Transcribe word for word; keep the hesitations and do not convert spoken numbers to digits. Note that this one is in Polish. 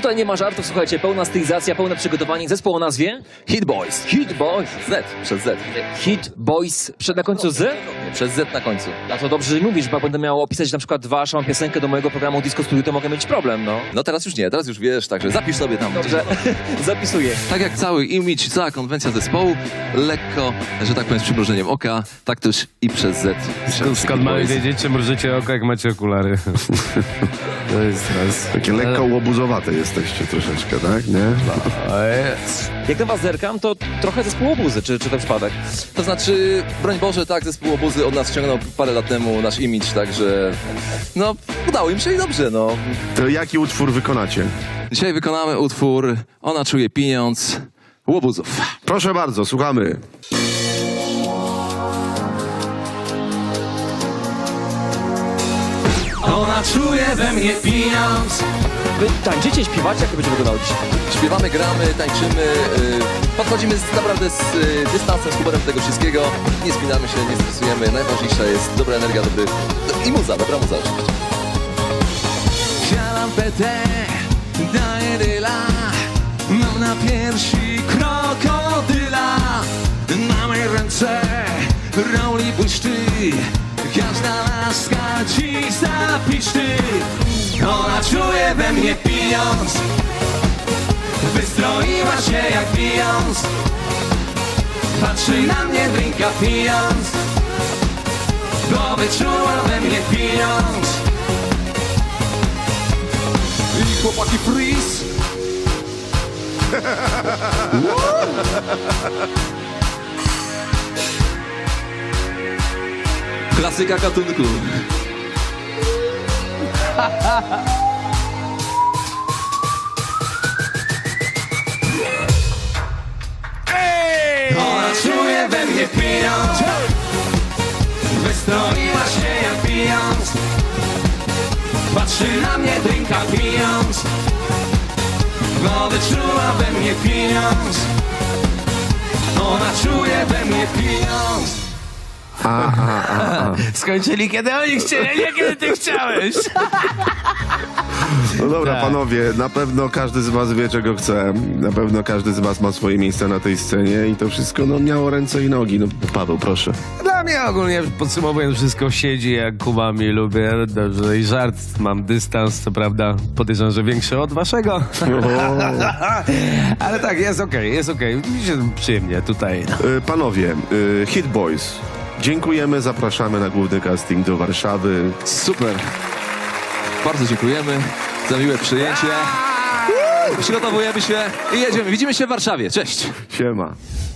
Tutaj nie ma żartów, słuchajcie, pełna stylizacja, pełne przygotowanie. Zespół o nazwie Hit Boys. Hit Boys. Z, przez Z. Hit Boys, przed na końcu z? Nie, przez Z na końcu. A to dobrze, że mówisz, bo jak będę miał opisać na przykład waszą piosenkę do mojego programu Disco Studio, to mogę mieć problem, no. No teraz już nie, teraz już wiesz, także zapisz sobie tam. Dobrze, zapisuję. Tak jak cały image, cała konwencja zespołu, lekko, że tak powiem, z przymrużeniem oka, tak też i przez Z. Skąd, skąd mamy wiedzieć, czy mrużycie oko, jak macie okulary? To jest raz. Takie lekko łobuzowate jesteście troszeczkę, tak? Nie? Jak na was zerkam, to trochę zespół obuzy, czy, czy to przypadek? To znaczy, broń Boże, tak, zespół Obuzy od nas ściągnął parę lat temu nasz image, także no, udało im się i dobrze, no. To jaki utwór wykonacie? Dzisiaj wykonamy utwór Ona czuje pieniądz Łobuzów. Proszę bardzo, słuchamy. Ona czuje we mnie pieniądz. Wy tańczycie, śpiewacie, jak to będzie wyglądało dzisiaj? Śpiewamy, gramy, tańczymy, yy, podchodzimy z, naprawdę z yy, dystansem, z humorem do tego wszystkiego. Nie spinamy się, nie stresujemy. Najważniejsza jest dobra energia, dobry... i muza, dobra muza oczywiście. Siadam P T, daję dyla. Mam na piersi krokodyla. Na mej ręce roli błyszczy. Każda laska ci zapiszczy. Ona czuje we mnie pieniądz. Wystroiła się jak pieniądz. Patrzy na mnie, drinka pijąc. Bo wyczuła we mnie pieniądz. I chłopaki freeze. Klasyka gatunku. Ona czuje we mnie pieniądz. Wystroiła się jak pijąc. Patrzy na mnie, drinka pijąc. Bo wyczuła we mnie pieniądz. Ona czuje we mnie pieniądz. Skończyli, kiedy oni chcieli, a nie kiedy ty chciałeś. No dobra, panowie, na pewno każdy z was wie, czego chce. Na pewno każdy z was ma swoje miejsce na tej scenie i to wszystko no, miało ręce i nogi. No, Paweł, proszę. Dla mnie ogólnie, podsumowując, wszystko siedzi jak kubami lubię. Dobrze, i żart, mam dystans, co prawda podejrzewam, że większy od waszego. Ale tak, jest okej, jest okej. Mi się przyjemnie tutaj. Y, Panowie, y, Hit Boys, dziękujemy, zapraszamy na główny casting do Warszawy. Super. Bardzo dziękujemy za miłe przyjęcie. Przygotowujemy się i jedziemy. Widzimy się w Warszawie. Cześć. Siema.